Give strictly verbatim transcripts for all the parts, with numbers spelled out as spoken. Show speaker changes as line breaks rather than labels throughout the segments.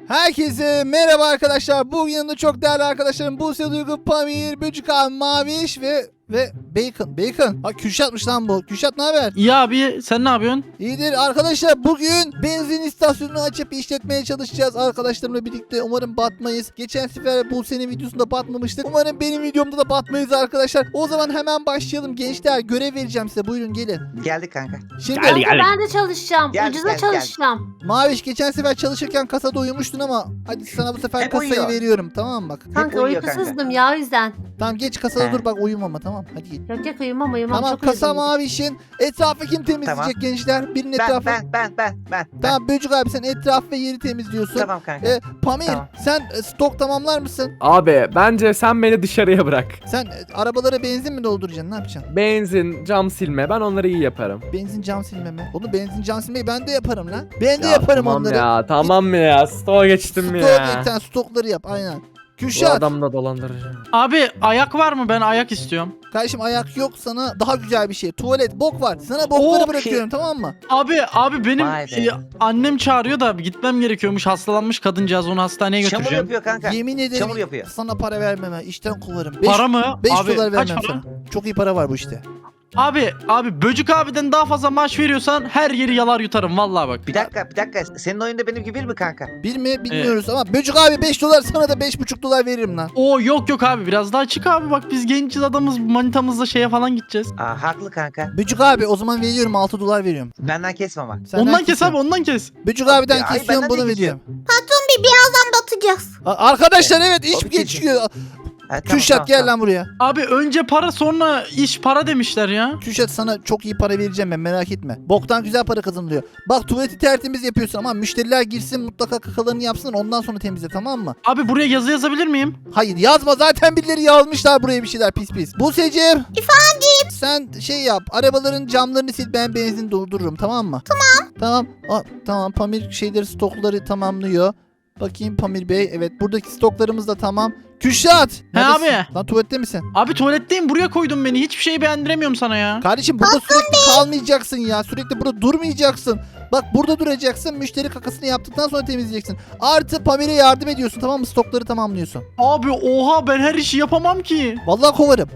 Herkese merhaba arkadaşlar. Bugün yanımda çok değerli arkadaşlarım Buse, Duygu, Pamir, Böcük abi, Maviş ve ve Bacon. Bacon. Ha Kürşat'mış lan bu. Kürşat ne haber?
İyi abi, sen ne yapıyorsun?
İyidir arkadaşlar. Bugün benzin istasyonunu açıp işletmeye çalışacağız arkadaşlarımla birlikte. Umarım batmayız. Geçen sefer Buse'nin videosunda batmamıştık. Umarım benim videomda da batmayız arkadaşlar. O zaman hemen başlayalım gençler. Görev vereceğim size. Buyurun gelin.
Geldik kanka.
Şimdi
Gel, gel.
Ben de çalışacağım.
Gel,
Ucuza
gel, gel.
çalışacağım.
Maviş geçen sefer çalışırken kasada uyumuştun ama hadi sana bu sefer
Hep
kasayı
uyuyor.
veriyorum, tamam mı bak?
Kanka
uyuyor kanka.
uykusuzdım ya o yüzden.
Tamam geç kasada
He.
dur bak, uyumama, tamam hadi git.
Yok yok uyumam uyumam.
Tamam
Çok
kasa
uyudum.
Maviş'in etrafı kim temizleyecek
Tamam.
gençler? Birinin
Ben
etrafı.
ben ben ben ben.
Tamam Böcük abi sen etraf ve yeri temizliyorsun.
Tamam kanka.
E, Pamir
Tamam.
sen e, stok tamamlar mısın?
Abi bence sen beni dışarıya bırak.
Sen e, arabalara benzin mi dolduracaksın, ne yapacaksın?
Benzin, cam silme ben onları iyi yaparım.
Benzin cam silme mi? Onu benzin cam silmeyi ben de yaparım lan. Ben de
Ya
yaparım
tamam
onları.
ya tamam mı ya stoğa geçtim
Stok
mi ya?
sen stokları yap aynen.
Bu
Kürşat
adam da dolandırıcı.
Abi ayak var mı? Ben ayak istiyorum.
kardeşim ayak yok, sana daha güzel bir şey. Tuvalet bok var. Sana bokları
Oo,
bırakıyorum tamam mı?
Abi abi benim
Vay be.
e, annem çağırıyor da gitmem gerekiyormuş. Hastalanmış kadıncağız, onu hastaneye
Çamur
götüreceğim.
yapıyor kanka.
Yemin ederim
Çamur yapıyor.
sana para vermem ha. İşten kovarım. beş
Para mı?
beş
abi
dolar
kaç
vermem
para?
sana. Çok iyi para var bu işte.
Abi abi Böcük abiden daha fazla maaş veriyorsan her yeri yalar yutarım vallahi bak.
Bir dakika bir dakika. Senin oyunda benim gibi bir mi kanka?
Bir mi bilmiyoruz ama Böcük abi beş dolar, sana da beş buçuk dolar veririm lan.
Oo yok yok abi, biraz daha çık abi, bak biz gençiz adamız, manitamızla şeye falan gideceğiz.
Aa haklı kanka.
Böcük abi o zaman veriyorum, altı dolar veriyorum.
Benden kesme ama.
Senden
ondan kes
kesiyorum.
abi, ondan kes.
Böcük abiden
Ya, ay,
kesiyorum,
benden de
bunu
kesiyorum.
veriyorum.
Bir birazdan batacağız.
A- Arkadaşlar evet iş
Tabii
geçiyor.
Ha, tamam,
Kürşat
tamam,
gel
tamam.
lan buraya.
Abi önce para sonra iş para demişler ya.
Kürşat sana çok iyi para vereceğim ben, merak etme. Boktan güzel para kazanılıyor. Bak tuvaleti tertemiz yapıyorsun ama müşteriler girsin mutlaka kakalarını yapsın, ondan sonra temizle, tamam mı?
Abi buraya yazı yazabilir miyim?
Hayır yazma, zaten birileri yazmışlar buraya bir şeyler pis pis. Buse'cim. Efendim. Sen şey yap, arabaların camlarını sil, ben benzin doldururum, tamam mı? Tamam. Tamam. Aa, tamam Pamir şeyleri, stokları tamamlıyor. Bakayım Pamir Bey, evet buradaki stoklarımız da tamam. Kürşat.
He
neredesin?
abi.
Lan tuvalette misin?
Abi tuvaletteyim, buraya koydun beni, hiçbir şeyi beğendiremiyorum sana ya.
Kardeşim burada sürekli kalmayacaksın ya. Sürekli burada durmayacaksın. Bak burada duracaksın. Müşteri kakasını yaptıktan sonra temizleyeceksin. Artı Pamir'e yardım ediyorsun, tamam mı? Stokları tamamlıyorsun.
Abi oha, ben her işi yapamam ki.
Vallahi kovarım.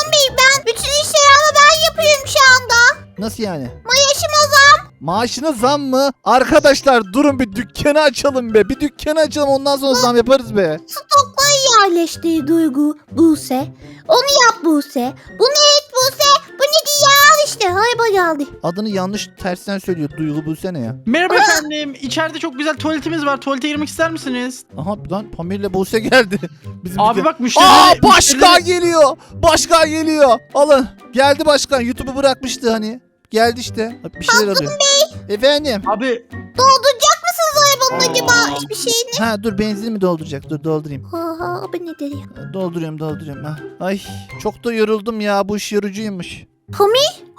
Bütün işleri ama ben yapıyorum şu anda.
Nasıl yani?
Maaşıma zam.
Maaşına zam mı? Arkadaşlar durun bir dükkanı açalım be. Bir dükkanı açalım, ondan sonra zam yaparız be.
Stokları yerleştir Duygu, Buse. Onu yap Buse. Bunu et Buse. Bu ne diye al işte. Hayba geldi.
Adını yanlış tersten söylüyor. Duygu bulsana ya.
Merhaba efendim. İçeride çok güzel tuvaletimiz var. Tuvalete girmek ister misiniz?
Aha lan Pamir'le Buse geldi. Bizim
Abi
dükkan-
bak müşterileri...
Aa başkan
müşterileri-
geliyor. Başkan geliyor. Alın. Geldi başkan. YouTube'u bırakmıştı hani. Geldi işte. Bir şeyler alıyor. Efendim.
Abi
Dolduracak mısınız arabanın acaba hiçbir şeyini?
Ha dur, benzin mi dolduracak? Dur doldurayım.
Aha bu ne dedi ya?
Dolduruyorum dolduruyorum. Ha. Ay çok da yoruldum ya. Bu iş yorucuymuş.
Pami?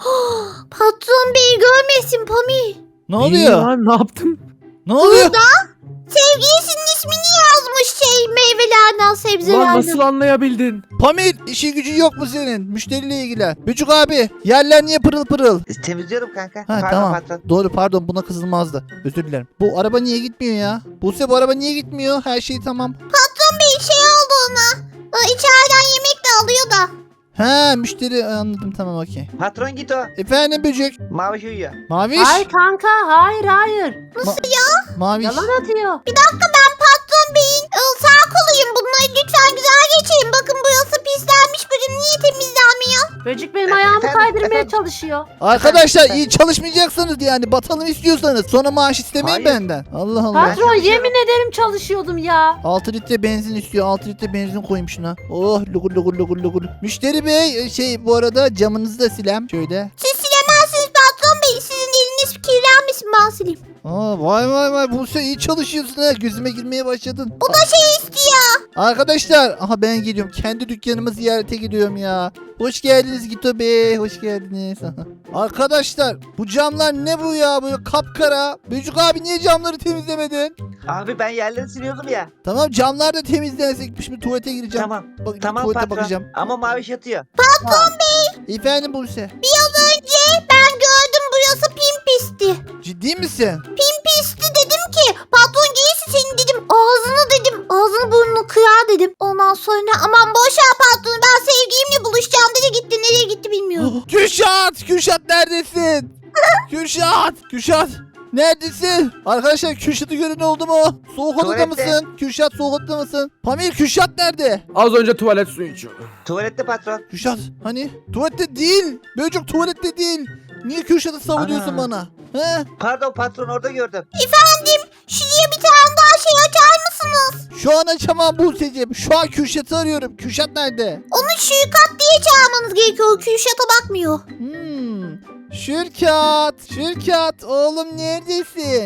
Patron bey görmesin Pami.
Ne
İyi
oluyor?
lan, ne yaptın?
Ne oluyor?
Sevgilisinin ismini yazmış şey meyvelerden
Ulan
sebzelerden.
nasıl anlayabildin?
Pamir işi gücü yok mu senin? Müşteriyle ilgilen. Bücük abi yerler niye pırıl pırıl?
E, Temizliyorum kanka.
Ha
Pardon
tamam.
patron.
Doğru pardon, buna kızılmazdı. Özür dilerim. Bu araba niye gitmiyor ya? Buse bu araba niye gitmiyor? Her şey tamam.
Patron bey şey oldu ona. Aa, İçeriden yemek de alıyor da.
Ha müşteri, anladım, tamam okey.
Patron git o.
Efendim Bücük.
Mavi uyuyor.
Maviş.
Hayır kanka hayır hayır.
Maviş.
Yalan atıyor. Bir dakika ben patron beyin ıı, sağ koluyum. Bunları lütfen güzel geçirin. Bakın burası pislenmiş. Bugün niye temizlenmiyor? Böcük benim ayağımı
Efendim,
kaydırmaya
efendim.
çalışıyor.
Arkadaşlar
Efendim?
iyi çalışmayacaksanız yani batalım istiyorsanız sonra maaş istemeyin
Hayır.
benden. Allah Allah.
Patron
bir şey
yemin ederim çalışıyordum ya.
altı litre benzin istiyor. altı litre benzin koyayım şuna. Oh lugur lugur lugur lugur. Müşteri bey şey bu arada camınızı da silem. Şöyle.
Siz silemezsiniz patron bey. Sizin eliniz kirlenmesin ben sileyim.
Aa vay vay vay Buse iyi çalışıyorsun ha. Gözüme girmeye başladın.
Bu da şey istiyor.
Arkadaşlar aha ben geliyorum. Kendi dükkanımı ziyarete gidiyorum ya. Hoş geldiniz Gito Bey. Hoş geldiniz. Arkadaşlar bu camlar ne bu ya? Böyle kapkara. Bücük abi niye camları temizlemedin?
Abi ben yerleri siliyordum ya.
Tamam camlar da temizlensek. Şimdi tuvalete gireceğim.
Tamam.
Bak,
Tamam
tuvalete
patron.
bakacağım.
Ama mavi yatıyor.
Efendim Buse.
Biraz önce ben gördüm burası pimpisti.
Ciddi misin?
Pimpisti dedim ki patron gelirse senin dedim dedim. Ondan sonra aman boş ver patronu, ben sevgilimle buluşacağım dedi, gitti. Nereye gitti bilmiyorum.
Kürşat! Kürşat neredesin? Kürşat! Kürşat! Neredesin? Arkadaşlar Kürşat'ı gören oldu mu? Soğuk odada
Tuvalette.
mısın? Kürşat soğuk odada mısın? Pamir Kürşat nerede?
Az önce tuvalet suyu içiyordum.
Tuvalette patron.
Kürşat hani? Tuvalette değil. Böcek tuvalette değil. Niye Kürşat'ı savunuyorsun
Ana.
bana? He?
Pardon patron, orada gördüm.
Efendim, şuraya bir tane daha şey açar mısınız?
Şu an açamam Buse'cim. Şu an Kürşat'ı arıyorum. Kürşat nerede?
Onu Şürkat diye çağırmanız gerekiyor. Kürşat'a bakmıyor.
Hmm. Şürkat. Şürkat. Oğlum neredesin?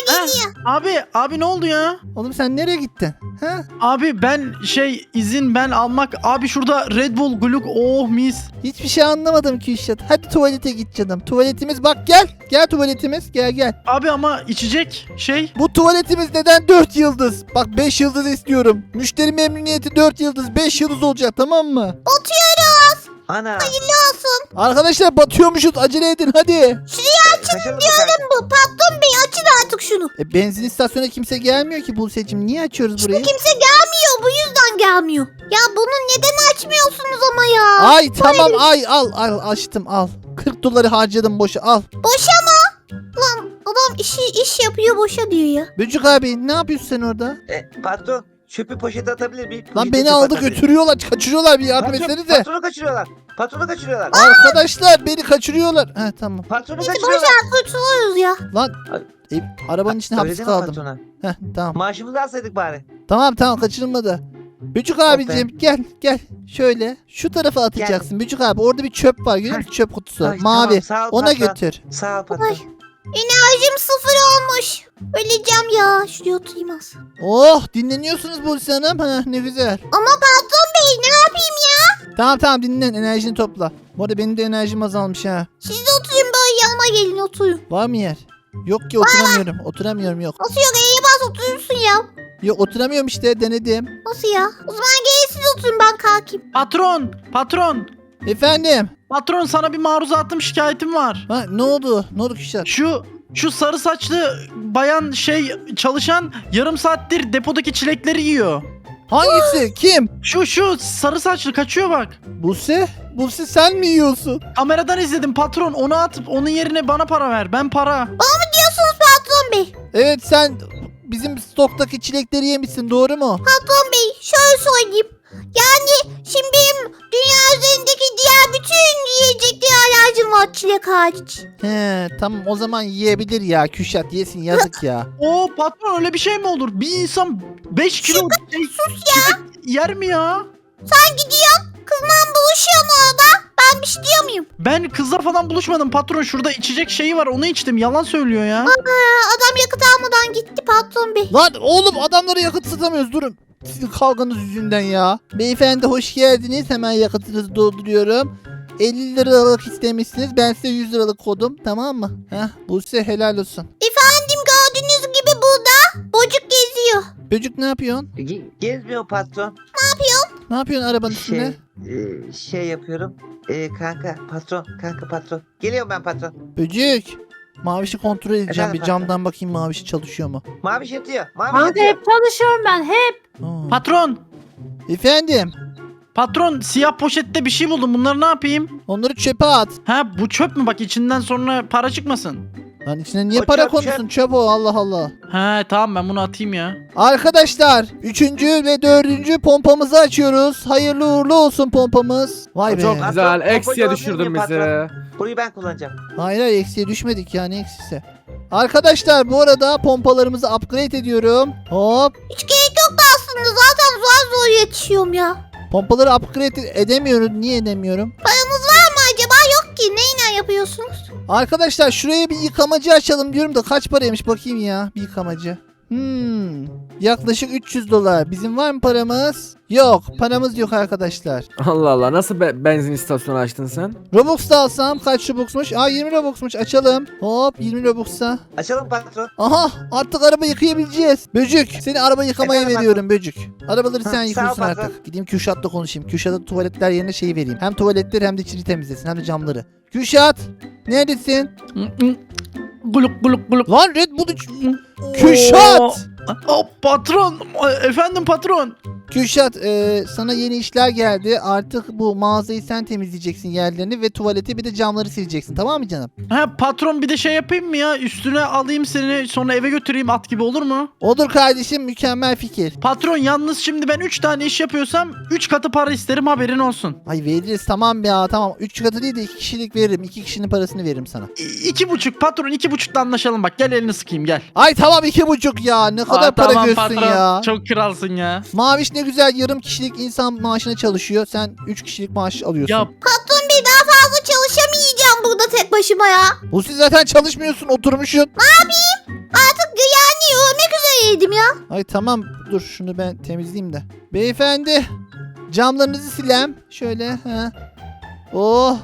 Ha, abi abi ne oldu ya?
Oğlum sen nereye gittin? He?
Abi ben şey izin ben almak. Abi şurada Red Bull Gluk oh mis.
Hiçbir şey anlamadım Kürşat. Hadi tuvalete git canım. Tuvaletimiz bak gel. Gel tuvaletimiz. Gel gel.
Abi ama içecek şey.
Bu tuvaletimiz neden dört yıldız? Bak beş yıldız istiyorum. Müşteri memnuniyeti dört yıldız. beş yıldız olacak tamam mı?
Oturuyoruz.
Ana.
Olsun.
Arkadaşlar batıyormuşuz. Acele edin hadi.
Kaçalım mı kanka?
Bu patron bey, açın artık şunu.
E, benzin istasyonuna kimse gelmiyor ki Buse'cim. Niye açıyoruz burayı?
Kimse gelmiyor, bu yüzden gelmiyor. Ya bunu neden açmıyorsunuz ama ya?
Ay tamam ay al al açtım al. kırk doları harcadım boşa al.
Boşa mı? Lan adam işi iş yapıyor, boşa diyor ya.
Böcük abi ne yapıyorsun sen orada?
E, patron çöpü poşete atabilir miyim?
Lan
Poşete
beni
çöp
aldı
atabilir.
götürüyorlar kaçırıyorlar bir yardım
Patron-
etsenize.
Patronu kaçırıyorlar. Patronu kaçırıyorlar.
Arkadaşlar beni kaçırıyorlar. He tamam.
Patronu
Neyse boş
kaçırıyorlar.
ver, kurtuluyoruz ya.
Lan e, arabanın içinde
Öyle
hapis
deme
kaldım.
patrona.
Heh tamam.
Maaşımızı alsaydık bari.
Tamam tamam kaçırılmadı. Bücük abicim gel gel. Şöyle şu tarafa atacaksın. Bücük abi orada bir çöp var görüyor musun? Çöp kutusu.
Ay,
Mavi.
tamam, sağ ol
Ona
patron.
götür.
Sağ ol patron.
Ay. Enerjim sıfır olmuş. Öleceğim ya. Şuraya oturayım az.
Oh dinleniyorsunuz Buse Hanım. Ha, ne güzel.
Ama patron bey ne yapayım ya?
Tamam tamam dinlen enerjini topla. Bu arada benim de enerjim azalmış ha.
Siz de oturun, böyle yanıma gelin oturun.
Var mı yer? Yok ki oturamıyorum. Oturamıyorum yok.
Nasıl yok, E'ye bas oturursun ya.
Yok oturamıyorum işte denedim.
Nasıl ya? O zaman gelin siz oturun, ben kalkayım.
Patron patron.
Efendim.
Patron sana bir maruzatım şikayetim var.
Ha ne oldu? Ne oldu Küşat?
Şu şu sarı saçlı bayan şey çalışan yarım saattir depodaki çilekleri yiyor.
Hangisi? Kim?
Şu şu sarı saçlı kaçıyor bak.
Buse? Buse sen mi yiyorsun?
Kameradan izledim patron, onu atıp onun yerine bana para ver. Ben para.
Diyorsunuz patron bey.
Evet sen bizim stoktaki çilekleri yemişsin doğru mu?
Patron bey şöyle söyleyeyim. Yani şimdi benim dünya üzerindeki diğer bütün yiyeceklere alerjim var, çilek hariç.
He tamam o zaman yiyebilir ya Küşat yesin yazık ya.
O patron öyle bir şey mi olur? Bir insan beş kilo şey, çilek yer mi ya?
Sen gidiyorsun, kızla buluşuyorsun orada. Ben bir şey diyor muyum?
Ben kızla falan buluşmadım patron. Şurada içecek şeyi var, onu içtim. Yalan söylüyor ya.
Ha, adam yakıt almadan gitti patron bey.
Lan oğlum adamlara yakıt satamıyoruz durun. Sizin kavganız yüzünden ya. Beyefendi hoş geldiniz. Hemen yakıtınızı dolduruyorum. elli liralık istemişsiniz. Ben size yüz liralık kodum. Tamam mı? Heh, Buse helal olsun.
Efendim gördüğünüz gibi burada bocuk geziyor.
Böcük ne yapıyorsun?
Ge- Gezmiyor patron.
Ne yapıyorsun arabanın
Şey,
üstünde?
e, şey yapıyorum. E, kanka patron, kanka patron. Geliyorum ben patron.
Böcük. Mavişi kontrol edeceğim.
Efendim,
bir camdan bakayım Mavişi çalışıyor mu?
Mavi yatıyor. Mavi
Kanka
yatıyor.
hep çalışıyorum ben hep.
Aa.
Patron.
Efendim.
Patron siyah poşette bir şey buldum. Bunları ne yapayım?
Onları çöpe at.
Ha bu çöp mü? Bak içinden sonra para çıkmasın.
Lan içine niye
O
para
çöp,
konusun? Çöp o Allah Allah.
He tamam ben bunu atayım ya.
Arkadaşlar üçüncü ve dördüncü pompamızı açıyoruz. Hayırlı uğurlu olsun pompamız. Vay be.
Çok
Patron,
güzel.
pompayı
Eksiye
alabilir
düşürdün
miyim
bizi.
patron? Burayı ben kullanacağım.
Hayır hayır eksiye düşmedik ya ne eksisi. Arkadaşlar bu arada pompalarımızı upgrade ediyorum. Hop.
Hiç gerek yok aslında, zaten zor zor yetişiyorum ya.
Pompaları upgrade edemiyoruz. Niye edemiyorum?
Paramız var mı acaba? Yok ki, neyle yapıyorsunuz?
Arkadaşlar şuraya bir yıkamacı açalım diyorum da kaç paraymış bakayım ya bir yıkamacı. Hmm, yaklaşık üç yüz dolar. Bizim var mı paramız? Yok paramız yok arkadaşlar.
Allah Allah, nasıl be- benzin istasyonu açtın sen?
Robux da alsam kaç Robux'muş? Aa yirmi Robux'muş açalım. Hop yirmi Robux'a.
Açalım patron.
Aha artık araba yıkayabileceğiz. Böcük seni araba yıkamaya
Efendim,
veriyorum Böcük. Arabaları
Hı,
sen
sağ ol,
yıkıyorsun
patron.
artık. Gideyim Kürşat'la konuşayım. Kürşat'a tuvaletler yerine şeyi vereyim. Hem tuvaletleri hem de içini temizlesin hem de camları. Kürşat neredesin?
Guluk guluk guluk.
Lan Red Bull iç- Kürşat!
Oh, patron. Efendim patron.
Kürşat e, sana yeni işler geldi. Artık bu mağazayı sen temizleyeceksin, yerlerini ve tuvaleti, bir de camları sileceksin, tamam mı canım?
Ha patron, bir de şey yapayım mı ya? Üstüne alayım seni, sonra eve götüreyim at gibi, olur mu?
Olur kardeşim, mükemmel fikir.
Patron yalnız şimdi ben üç tane iş yapıyorsam üç katı para isterim, haberin olsun.
Ay veririz, tamam ya, tamam. üç katı değil de iki kişilik veririm. iki kişinin parasını veririm sana.
İ- iki buçuk patron, iki buçukla anlaşalım bak, gel elini sıkayım gel.
Ay tamam, iki buçuk ya. Ne kadar
Aa,
para
tamam
görsün
patron,
ya.
çok kralsın ya.
Maviş ne güzel yarım kişilik insan maaşına çalışıyor. Sen üç kişilik maaş alıyorsun.
Ya
Patron bey, daha fazla çalışamayacağım burada tek başıma ya.
Bu siz zaten çalışmıyorsun, oturmuşsun.
Artık yani ölmek üzereydim ya.
Ay tamam, dur şunu ben temizleyeyim de. Beyefendi, camlarınızı silem. Şöyle ha. Oh.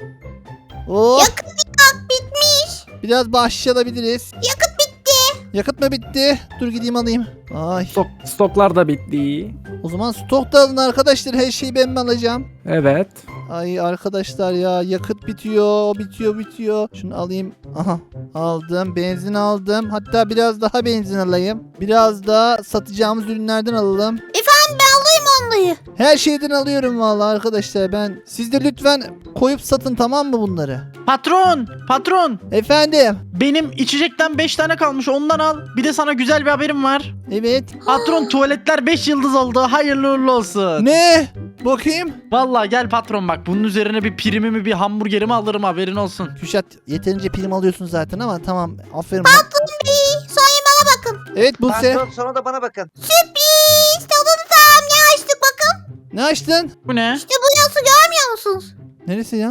Oh.
Yakıt yak bitmiş.
Biraz bahşiş alabiliriz.
Yakıt bitti.
Yakıt mı bitti? Dur gideyim alayım. Ay.
Stok, stoklar da bitti.
O zaman stok da alın arkadaşlar. Her şeyi ben mi alacağım?
Evet.
Ay arkadaşlar ya, yakıt bitiyor, bitiyor, bitiyor. Şunu alayım. Aha, aldım. Benzin aldım. Hatta biraz daha benzin alayım. Biraz da satacağımız ürünlerden alalım.
Efendim, ben alayım onları.
Her şeyden alıyorum vallahi arkadaşlar ben. Siz de lütfen koyup satın, tamam mı bunları?
patron, patron,
Efendim.
benim içecekten beş tane kalmış, ondan al. Bir de sana güzel bir haberim var.
Evet.
Patron, tuvaletler beş yıldız oldu, hayırlı uğurlu olsun.
Ne? Bakayım.
Vallahi gel patron, bak bunun üzerine bir primimi, bir hamburgerimi alırım, haberin olsun.
Küşat, yeterince prim alıyorsun zaten ama tamam, aferin.
Patron bey, sonra bana bakın.
Evet Buse.
Patron sonra da bana bakın.
Sürpriz. Tadını tam ne açtık bakın.
Ne açtın?
Bu ne?
İşte bu yası görmüyor musunuz?
Neresi ya?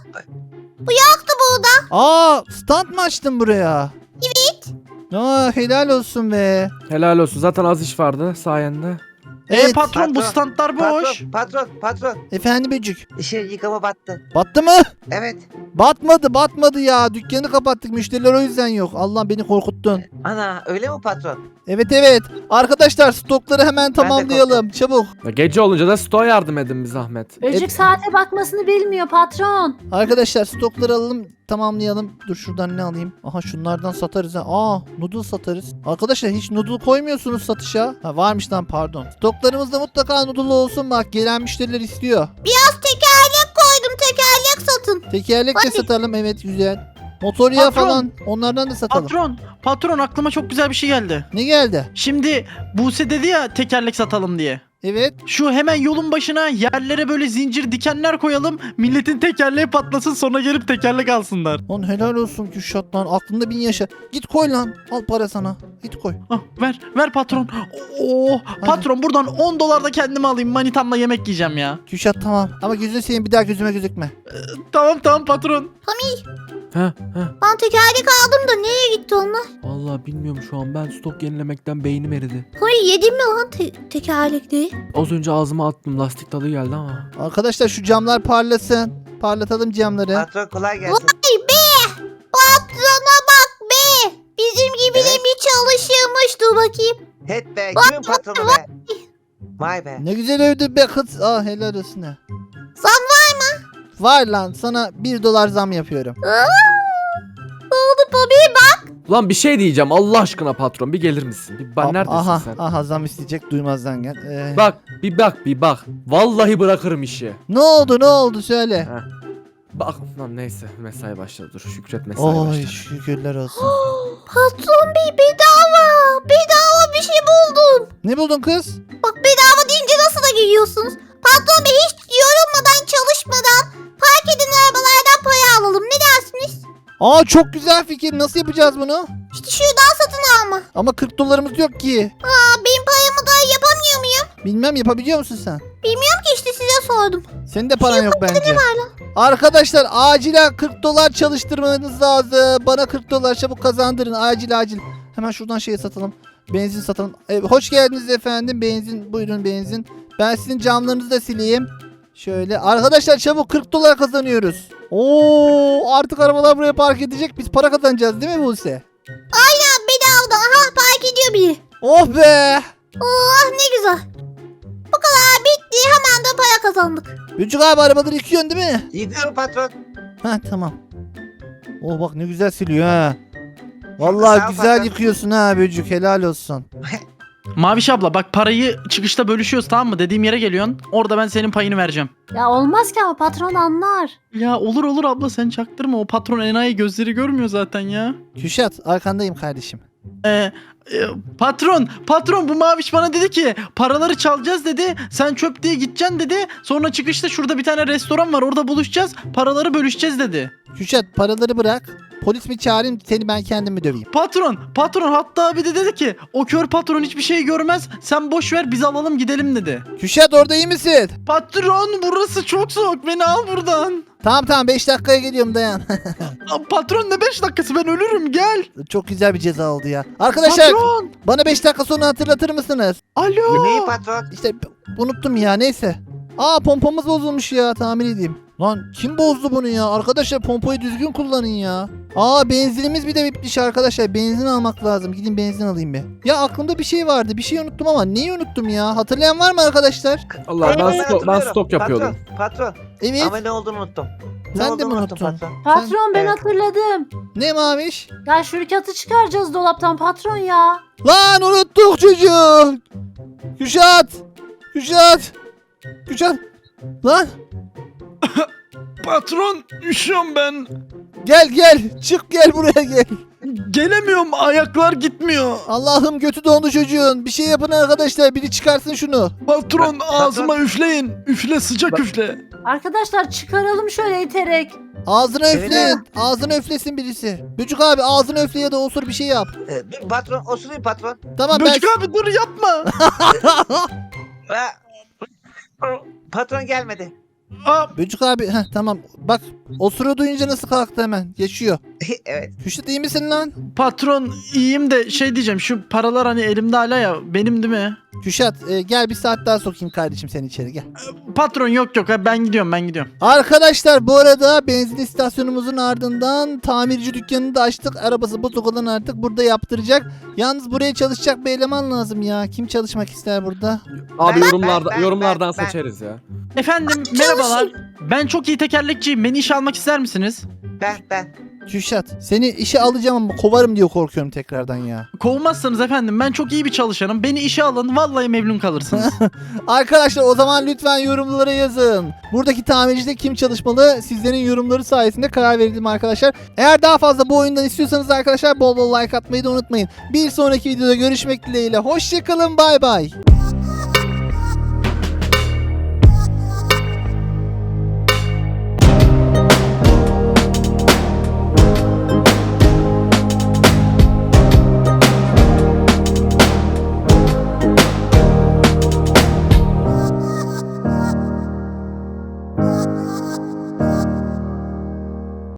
Bu yaktı burada.
Aa, stand mı açtın buraya?
Evet.
Aa, helal olsun be.
Helal olsun. Zaten az iş vardı sayende.
E patron, bu
Patron,
standlar boş.
Patron, patron, patron.
Efendim Böcük.
İşe yıkama battı.
Battı mı?
Evet.
Batmadı, batmadı ya. Dükkanı kapattık. Müşteriler o yüzden yok. Allah, beni korkuttun.
Ana öyle mi patron?
Evet evet. Arkadaşlar stokları hemen tamamlayalım. Çabuk.
Ya gece olunca da stoğa yardım edin bir zahmet.
Evet.
Böcük saate bakmasını bilmiyor patron.
Arkadaşlar stokları alalım, tamamlayalım. Dur şuradan ne alayım? Aha, şunlardan satarız ha. Aa, noodle satarız. Arkadaşlar hiç noodle koymuyorsunuz satışa. Ha, varmış lan, pardon. Stoklarımızda mutlaka noodle olsun, bak gelen müşteriler istiyor.
Biraz tekerlek koydum, tekerlek satın.
Tekerlek de satalım, evet güzel. Motor yağı
Patron.
falan, onlardan da satalım.
Patron, patron aklıma çok güzel bir şey geldi.
Ne geldi?
Şimdi Buse dedi ya tekerlek satalım diye.
Evet.
Şu hemen yolun başına yerlere böyle zincir dikenler koyalım. Milletin tekerleği patlasın, sonra gelip tekerlek alsınlar.
Lan helal olsun Kürşat lan. Aklında bin yaşa. Git koy lan. Al para sana. Git koy.
Ah, ver ver patron. Oo, patron buradan on dolar da kendime alayım. Manitamla yemek yiyeceğim ya.
Kürşat tamam. Ama gözünü seveyim, bir daha gözüme gözükme.
Tamam tamam patron.
Ha ha.
Ben tekerlek aldım da nereye gitti onlar?
Vallahi bilmiyorum şu an. Ben stok yenilemekten beynim eridi.
Hayır, yedim mi lan te- tekerlekleri?
Az önce ağzıma attım. Lastik tadı geldi ama.
Arkadaşlar şu camlar parlasın. Parlatalım camları.
Patron kolay gelsin.
Vay be! Patrona bak be! Bizim gibi de
Evet.
mi çalışıyormuş? Dur bakayım.
Het be kimin patronu be? Vay be.
Ne güzel övdü be kız. Ah helal olsun ha.
Zam var mı?
Var lan, sana bir dolar zam yapıyorum.
Aa! Ne oldu Bobby? Bak.
Ulan bir şey diyeceğim. Allah aşkına patron bir gelir misin? Bir bak,
Ah,
neredesin
aha,
sen?
aha zam isteyecek, duymazdan gel. Ee,
Bak bir bak bir bak. Vallahi bırakırım işi.
Ne oldu ne oldu söyle.
Bak lan neyse mesai başladı. Dur şükret mesai
Oy
başladı.
şükürler olsun.
Patron bey, bedava. Bedava bir şey buldum.
Ne buldun kız?
Bak, bedava deyince nasıl da gülüyorsunuz? Patron bey, hiç yorulmadan, çalışmadan park edin arabalardan para alalım. Ne dersiniz?
Aa çok güzel fikir. Nasıl yapacağız bunu?
İşte şuradan satın alma.
Ama kırk dolarımız yok ki.
Aa, benim paramı da yapamıyor muyum?
Bilmem, yapabiliyor musun sen?
Bilmiyorum ki, işte size sordum.
Senin de paran yok bence. Arkadaşlar acilen kırk dolar çalıştırmanız lazım. Bana kırk dolar çabuk kazandırın. Acil acil. Hemen şuradan şeyi satalım. Benzin satalım. Evet, hoş geldiniz efendim. Benzin, buyurun benzin. Ben sizin camlarınızı da sileyim. Şöyle. Arkadaşlar çabuk, kırk dolar kazanıyoruz. Oo, artık arabalar buraya park edecek. Biz para kazanacağız değil mi Buse?
Aynen, bedava. Aha, park ediyor biri.
Oh be.
Oh, ne güzel. Bu kadar bitti. Hemen de para kazandık.
Böcük abi, arabaları yıkıyorsun değil mi?
Yıkıyorum patron.
Ha tamam. Oh bak ne güzel siliyor ha. Vallahi
Sağ ol
güzel
patron.
yıkıyorsun ha Böcük, helal olsun.
Maviş abla bak parayı çıkışta bölüşüyoruz tamam mı? Dediğim yere geliyorsun. Orada ben senin payını vereceğim.
Ya olmaz ki ama patron anlar.
Ya olur olur abla sen çaktırma. O patron enayi gözleri görmüyor zaten ya.
Kürşat arkandayım kardeşim.
Ee, e, patron, patron bu Maviş bana dedi ki paraları çalacağız dedi. Sen çöp diye gideceksin dedi. Sonra çıkışta şurada bir tane restoran var orada buluşacağız. Paraları bölüşeceğiz dedi.
Kürşat paraları bırak. Polis mi çağırayım seni ben kendim mi döveyim?
Patron, patron hatta bir de dedi ki o kör patron hiçbir şey görmez. Sen boş ver biz alalım gidelim dedi.
Kürşat orada iyi misin?
Patron burası çok soğuk beni al buradan.
Tamam tamam beş dakikaya geliyorum dayan.
Aa, patron ne beş dakikası ben ölürüm gel.
Çok güzel bir ceza oldu ya. Arkadaşlar
Patron.
bana beş dakika sonra hatırlatır mısınız?
Alo.
Neyi patron?
İşte unuttum ya neyse. Aa pompamız bozulmuş ya tamir edeyim. Lan kim bozdu bunu ya? Arkadaşlar pompayı düzgün kullanın ya. Aa benzinimiz bir de bitmiş arkadaşlar. Benzin almak lazım. Gidin benzin alayım bir. Ya aklımda bir şey vardı. Bir şey unuttum ama neyi unuttum ya? Hatırlayan var mı arkadaşlar?
Allah ben,
Ben
sto- ben
hatırlıyorum.
stok yapıyordum.
Patron, patron.
Evet.
Ama ne olduğunu unuttum. Ne
Sen de
olduğunu
mi
unuttum
unuttun?
patron.
Patron ben
Evet.
hatırladım.
Ne Maviş?
Ya şirkatı çıkaracağız dolaptan patron ya.
Lan unuttuk çocuğu. Kürşat. Kürşat. Kürşat. Lan
Patron üşüyorum ben.
gel gel. Çık gel buraya gel.
Gelemiyorum ayaklar gitmiyor.
Allah'ım götü dondu çocuğun. Bir şey yapın arkadaşlar. Biri çıkarsın şunu.
Patron
Patron.
ağzıma üfleyin. Üfle sıcak
Bak-
üfle.
Arkadaşlar çıkaralım şöyle iterek.
Ağzına
Evet.
üfleyin. Ağzına üflesin birisi. Böcük abi ağzına üfle ya da osur bir şey yap.
Ee, dur patron, osurayım patron.
Tamam ben...
Böcük abi dur yapma.
Aa, patron gelmedi.
Aa,
Böcük abi heh, tamam. Bak osuru duyunca nasıl kalktı hemen. Geçiyor.
Evet.
Kürşat iyi misin lan?
patron iyiyim de şey diyeceğim şu paralar hani elimde hala ya benim değil mi?
Kürşat e, gel bir saat daha sokayım kardeşim seni içeri gel.
Patron yok yok ben gidiyorum ben gidiyorum.
Arkadaşlar bu arada benzin istasyonumuzun ardından tamirci dükkanını da açtık. Arabası bozuk olan artık burada yaptıracak. Yalnız buraya çalışacak bir eleman lazım ya. Kim çalışmak ister burada?
Abi
Ben-
yorumlarda
ben- ben-
yorumlardan
ben-
seçeriz ya.
Efendim merhabalar. Ben çok iyi tekerlekçiyim. Beni işe almak ister misiniz?
Ben, ben.
Kürşat seni işe alacağım ama kovarım diye korkuyorum tekrardan ya.
Kovmazsanız efendim ben çok iyi bir çalışanım. Beni işe alın vallahi memnun kalırsınız.
Arkadaşlar o zaman lütfen yorumlara yazın. Buradaki tamircide kim çalışmalı? Sizlerin yorumları sayesinde karar verelim arkadaşlar. Eğer daha fazla bu oyundan istiyorsanız arkadaşlar bol bol like atmayı da unutmayın. Bir sonraki videoda görüşmek dileğiyle. Hoşçakalın bay bay.